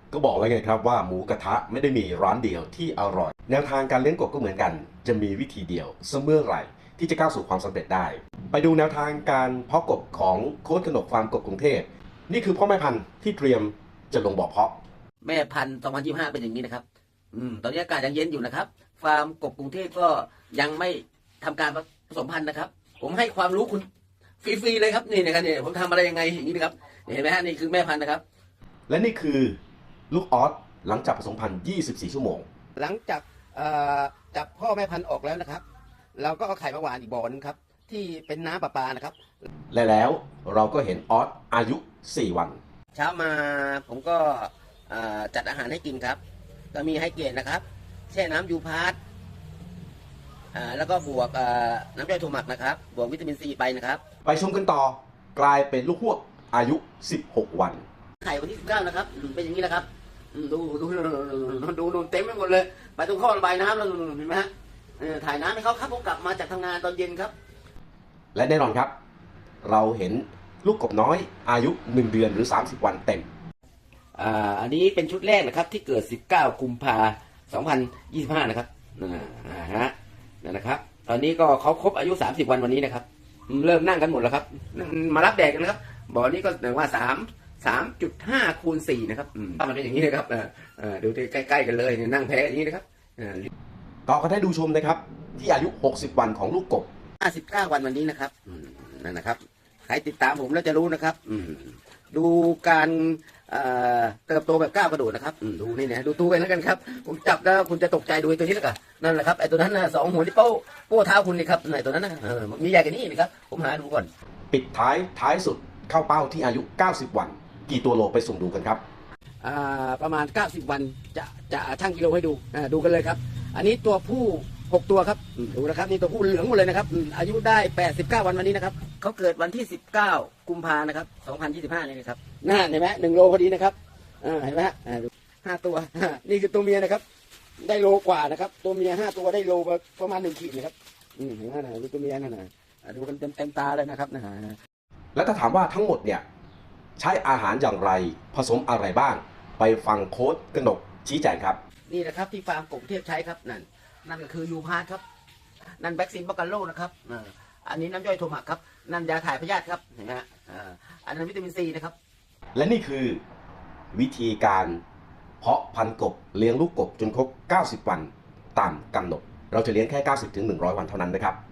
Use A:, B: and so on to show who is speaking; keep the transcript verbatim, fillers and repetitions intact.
A: ก็บอกแล้วไงครับว่าหมูกระทะไม่ได้มีร้านเดียวที่อร่อยแนวทางการเลี้ยงกบก็เหมือนกันจะมีวิธีเดียวเสมอไหร่ที่จะก้าวสู่ความสำเร็จได้ไปดูแนวทางการเพาะกบของโค้ชกนกฟาร์มกบกรุงเทพนี่คือพ่อแม่พันธุ์ที่เตรียมจะลงบ่อเพาะ
B: แม่พันธุ์สองพันยี่สิบห้าเป็นอย่างนี้นะครับอืมตอนนี้อากาศยังเย็นอยู่นะครับฟาร์มกบกรุงเทพก็ยังไม่ทำการผสมพันธุ์นะครับผมให้ความรู้คุณฟรีๆเลยครับนี่นะครับเนี่ยผมทำอะไรยังไงอย่างนี้นะครับเห็นไหมฮะนี่คือแม่พันธุ์นะครับ
A: และนี่คือลูกออสหลังจากผสมพันธุ์ยี่สิบสี่ชั่วโมง
B: หลังจากจับพ่อแม่พันธุ์ออกแล้วนะครับเราก็เอาไข่มาหวานอีกบ่อนึงครับที่เป็นน้ำประปานะครับ
A: และแล้วเราก็เห็นออสอายุสี่วัน
B: เช้ามาผมก็จัดอาหารให้กินครับก็มีให้เกณฑ์นะครับแช่น้ำยูพาร์ตแล้วก็บวกน้ำย่อยถั่วหมักนะครับบวกวิตามินซีไปนะครับ
A: ไปชมกันต่อกลายเป็นลูกฮวกอายุสิบหกวัน
B: ไข่วันที่สิบเก้านะครับเป็นอย่างนี้นะครับดูดูดูดูเต็มไปหมดเลยไปตรงข้อระบายน้ำแล้วเห็นไหมฮะถ่ายน้ำให้เขาครับผมกลับมาจากทำงานตอนเย็นครับ
A: และแน่นอนครับเราเห็นลูกกบน้อยอายุหนึ่งเดือนหรือสามสิบวันเต็ม
B: อ่าอันนี้เป็นชุดแรกนะครับที่เกิดสิบเก้ากุมภาพันธ์สองพันยี่สิบห้านะครับอ่าฮะนั่นนะครับตอนนี้ก็เขาครบอายุสามสิบวันวันนี้นะครับเริ่มนั่งกันหมดแล้วครับมารับแดดกันนะครับบ่อนี้ก็แปลว่าสามสามจุดห้าคูณสี่นะครับมันเป็นอย่างนี้นะครับดูใกล้ๆกันเลยนั่งแพ้อย่างนี้นะครับ
A: ต่อกันได้ดูชมนะครับที่อายุหกสิบวันของลูกกบ
B: ห้าสิบเก้าวันวันนี้นะครับนั่นนะครับใครติดตามผมแล้วจะรู้นะครับดูการเติบโตแบบก้าวกระโดดนะครับดูนี่นะดูตัวไปแล้วกันครับผมจับแล้วคุณจะตกใจดูตัวนี้แล้วกันนั่นแหละครับไอ้ตัวนั้นนะสองหัวที่โป้โป้เท้าคุณนี่ครับไอ้ตัวนั้นนะมีใหญ่กว่านี้นะครับผมหาดูก่อน
A: ปิดท้ายท้ายสุดเข้าเป้าที่อายุเก้าสิบวันกี่ตัวโลไปสุ่มดูกันครับ
B: ประมาณเก้าสิบวันจะจะชั่งกิโลให้ดูดูกันเลยครับอันนี้ตัวผู้หกตัวครับดูนะครับนี่ตัวผู้เหลืองหมดเลยนะครับอายุได้แปดสิบเก้าวันวันนี้นะครับเขาเกิดวันที่สิบเก้ากุมภาพันธ์นะครับสองพันยี่สิบห้านี่นะครับน่าเห็นไหมหนึ่งโลพอดีนะครับเห็นไหมฮะห้าตัวนี่คือตัวเมียนะครับได้โลกว่านะครับตัวเมียห้าตัวได้โลประมาณหนึ่งขีดนะครับเห็นไหมนะดูตัวเมียนั่นนะดูกันเต็มเต็มตาเลยนะครับนะฮะ
A: แล้วถ้าถามว่าทั้งหมดเนี่ยใช้อาหารอย่างไรผสมอะไรบ้างไปฟังโค้ชกนกชี้แจงครับ
B: นี่นะครับที่ฟาร์มกบเทพใช้ครับนั่นนั่นก็คือยูพาร์ทครับนั่นแบ็กซินบักกาโลนะครับอันนี้น้ำย่อยโทมักครับนั่นยาถ่ายพยาธิครับเห็นไหมฮะอันนั้นวิตามินซีนะครับ
A: และนี่คือวิธีการเพาะพันธุ์กบเลี้ยงลูกกบจนครบเก้าสิบวันตามกำหนดเราจะเลี้ยงแค่เก้าสิบถึงหนึ่งร้อยวันเท่านั้นนะครับ